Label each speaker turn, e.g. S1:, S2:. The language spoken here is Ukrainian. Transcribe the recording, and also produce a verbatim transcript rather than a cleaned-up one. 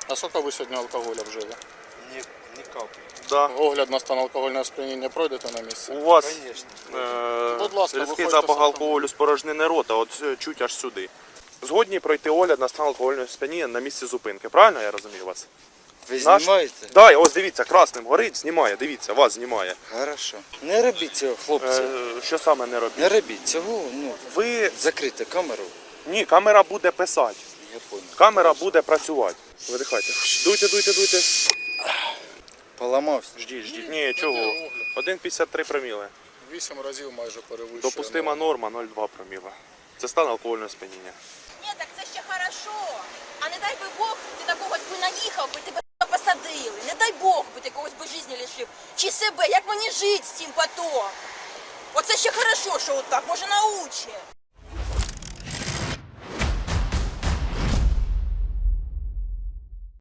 S1: А сколько ви сьогодні алкоголя вжили?
S2: Ні, ні капли.
S3: Да.
S1: Огляд на стан алкогольного сп'яніння пройдете на місці?
S3: У вас
S2: Конечно.
S3: е,
S1: Будь ласка,
S3: різкий
S1: виходьте
S3: запах
S1: з
S3: алкоголю з порожнини рота, от е, чуть аж сюди. Згодні пройти огляд на стан алкогольного сп'яніння на місці зупинки. Правильно я розумію вас?
S2: Ви
S3: Наш-
S2: знімаєте?
S3: Да, ось дивіться, красним горить, знімає, дивіться, вас знімає.
S2: Хорошо. Не робіть цього, хлопці.
S3: Е, що саме не робіть?
S2: Не робіть цього, ну,
S3: Ви...
S2: закрийте камеру.
S3: Ні, камера буде писати.
S2: Я понял.
S3: Камера буде працювати. Видихайте. Дуйте, дуйте, дуйте.
S2: Поламався.
S3: Ждіть, ждіть. Ні, чого? один п'ятдесят три проміли.
S1: Вісім разів майже перевищує.
S3: Допустима норма нуль цілих два проміла. Це стан алкогольного сп'яніння.
S4: Ні, так це ще хорошо. А не дай би Бог, ти на когось би наїхав, би тебе посадили. Не дай Бог би ти когось би житті лишив. Чи себе, як мені жити з цим потом? Оце ще хорошо, що отак, може научить.